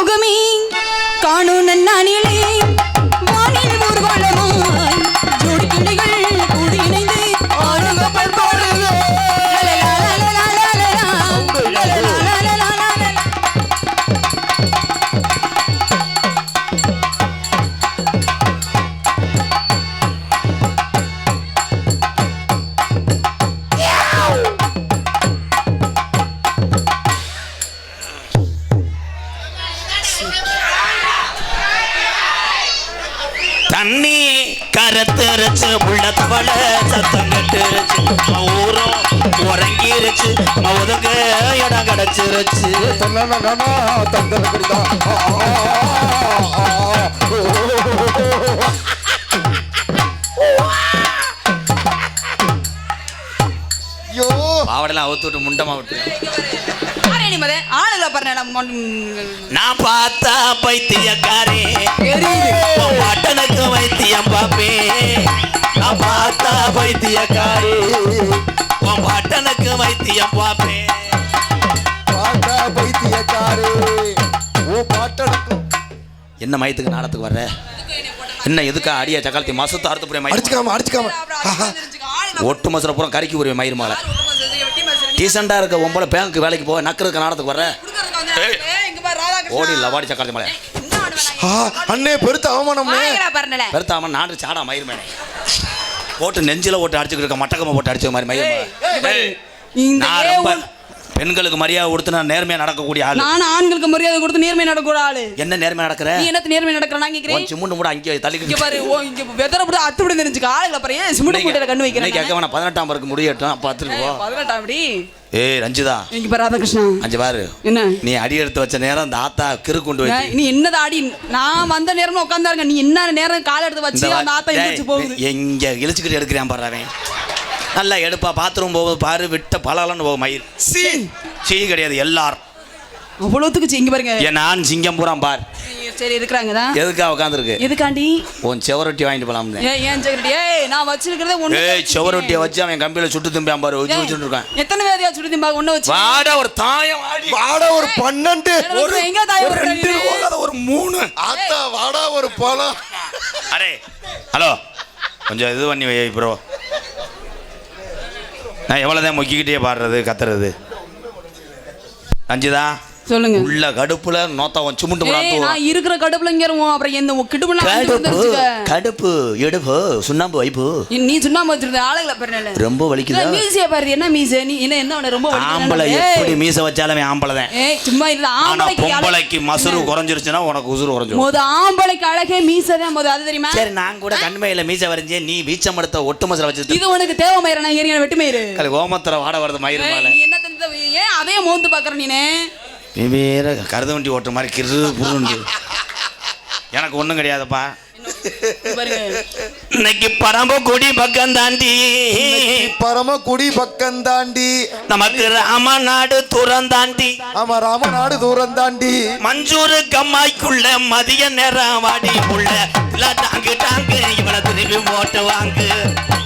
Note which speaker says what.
Speaker 1: முகமே காணும் நன்னானிலே வானில் ஊர்வலமாய் ஜோடி கிளைகள் கூடி இணைந்து ஆடுங்கப்பல் போடுது.
Speaker 2: தண்ணி கரத்துருச்சு உள்ளத்தவள சத்தம் கட்டுருச்சு ஊரும் உறங்கிருச்சு ஒதுங்க இடம் கிடைச்சிருச்சு. பாவடெல்லாம் அவுத்து விட்டு முண்டமா விட்டு நான் பார்த்தா பைத்தியக்காரே பட்டனுக்கு வைத்தியம் பாப்பே. நான் பார்த்தா பைத்தியக்காரே பட்டனுக்கு வைத்தியம் பாப்பே. என்ன மயத்துக்கு நாடத்துக்கு வர்ற? என்ன எதுக்கா அடியா சக்காலத்தி மசத்து அறுத்து புரிய
Speaker 3: அடிச்சுக்காம
Speaker 2: ஒட்டு மசுரை பூரா கறிக்கு புரிய மயிர் மேல டீசெண்டா இருக்க உம்பளை பேங்க் வேலைக்கு போக நக்கிறதுக்கு நாடத்துக்கு வர்ற ஓடி இல்ல வாடி சக்காலத்தி மலை
Speaker 3: அண்ணே பெருத்த அவமானம்
Speaker 2: பெருத்த அவன் நாடு சாடா மயிர் மேலே போட்டு நெஞ்சில ஓட்டு அடிச்சுக்கிட்டு இருக்க மட்டக்கமா போட்டு அடிச்ச மாதிரி மயிர். நான் ரொம்ப பெண்களுக்கு மரியாதை கொடுத்து நான் நேர்மையா நடக்கக்கூடிய ஆளு.
Speaker 1: நான் ஆண்களுக்கு மரியாதை கொடுத்து நேர்மையா நடக்கக்கூடிய ஆளு.
Speaker 2: என்ன நேர்மையா நடக்கற?
Speaker 1: நீ என்ன நேர்மையா நடக்கற? நான் கேக்குறேன்.
Speaker 2: சிமுண்டு மூட அங்க தள்ளிக்கிட்டு
Speaker 1: இங்க பாரு. இங்க வெதற புடி அத்து விட தெரிஞ்சுக்க ஆளுல பாரு. ஏன் சிமுண்டு மூடல கண்ணு வைக்கிறேன்?
Speaker 2: நீ கேக்க வேணா 18ஆம் வரைக்கும் முடியட்டும் அப்ப அத்துக்கு போ.
Speaker 1: 18ஆம் அடி.
Speaker 2: ஏய் ரஞ்சிதா.
Speaker 1: இங்க பாரு ராதாகிருஷ்ணா.
Speaker 2: அஞ்சு பாரு.
Speaker 1: என்ன?
Speaker 2: நீ அடி எடுத்து வச்ச நேரம் அந்த ஆத்தா கிறு கொண்டு வை.
Speaker 1: நீ என்னடா அடி? நான் வந்த நேரமா உட்கார்ந்தாருங்க. நீ என்ன நேரம் கால் எடுத்து வச்சு அந்த ஆத்தா இழுச்சு போகுது.
Speaker 2: எங்க இழுச்சிக்கிட்டு எடுக்கறான் பாரு அவன். நல்லா எடுப்பா பாத்ரூம் போகுது பாரு விட்ட பலாலன்னு போகும் மயிர். சீ கிடையாது எல்லாரும்
Speaker 1: அவ்வளவுக்கு இங்க பாருங்க.
Speaker 2: நான் சிங்கம் பூராம் பார்.
Speaker 1: சரி இருக்கறாங்கடா.
Speaker 2: எதுக்கா உட்கார்ந்திருக்கு?
Speaker 1: எதுக்காண்டி?
Speaker 2: உன் செவரொட்டி வாங்கிட்டு போலாம்னு.
Speaker 1: ஏன் செவரொட்டி? ஏய் நான் வச்சிருக்கிறதே ஒண்ணு.
Speaker 2: ஏய் செவரொட்டியை வச்சு அவன் கம்பியில சுட்டு திம்பான் பாரு. வச்சிட்டு இருக்கான்.
Speaker 1: எத்தனை வேதியா சுட்டு திம்பா ஒண்ணு வச்சு.
Speaker 2: வாடா ஒரு தாயம் ஆடி.
Speaker 3: வாடா ஒரு 12.
Speaker 1: ஒரு எங்க தாயம் ஒரு
Speaker 2: 2 போகாத ஒரு 3.
Speaker 3: ஆத்தா வாடா ஒரு பழம்.
Speaker 2: அரே ஹலோ கொஞ்சம் இது பண்ணி வை ப்ரோ. நான் எவ்வளவுதான் மொக்கிக்கிட்டே பாடுறது கத்துறது. அஞ்சுதா
Speaker 1: சொல்லுங்க.
Speaker 2: உள்ள கடுப்புல நோத்தவன் சுமுண்டு முடாத்து.
Speaker 1: நான் இருக்கிற கடுப்புல இங்கறோம். அப்புறம் என்ன கிடுப்புல
Speaker 2: வந்துருச்சுங்க. கடுப்பு எடுப்பு சுண்ணாம்பு வைப்பு.
Speaker 1: நீ சுண்ணாம்பு வச்சிருந்த ஆளுகள பாருங்க.
Speaker 2: ரொம்ப வலிக்குதா?
Speaker 1: மீசைய பாரு. என்ன மீசை? நீ என்ன ரொம்ப வலிக்குது?
Speaker 2: ஆம்பளை எப்படி மீசை வச்சாலும் ஆம்பளை தான்.
Speaker 1: ஏய் சும்மா இல்ல ஆம்பளைக்கு
Speaker 2: பொம்பளைக்கு மசுரு குறஞ்சிருச்சுனா உனக்கு உசுரு குறஞ்சிரும்.
Speaker 1: மொத ஆம்பளைக்கு அழகே மீசை தான் மொத. அது தெரியுமா?
Speaker 2: சரி நான் கூட கண்மையில மீசை வரைஞ்சே நீ வீச்சம் எடுத்த ஒட்டு மசுர வச்சிட்டு.
Speaker 1: இது உனக்கு தேவை மயிர. நான் ஏறின வெட்டு மயிரு.
Speaker 2: கல ஓமத்தர வாட வரது மயிர் மேல.
Speaker 1: நீ என்ன தந்த ஏன் அதே மோந்து பாக்குற நீனே?
Speaker 2: வேற கருத வண்டி ஓட்டுற மாதிரி கிரு புருண்டு. எனக்கு ஒண்ணும் கிடையாதுப்பா. இன்னைக்கு பரமக்குடி பக்கம் தாண்டி.
Speaker 3: பரமக்குடி பக்கம் தாண்டி.
Speaker 2: நமக்கு ராமநாடு தூரம் தாண்டி.
Speaker 3: ஆமா ராமநாடு தூரம் தாண்டி.
Speaker 2: மஞ்சூரு கம்மாய்க்குள்ள மதிய நேரம் வாடி உள்ள டாங்கு டாங்கு இவளை திரும்பி போட்டு வாங்கு.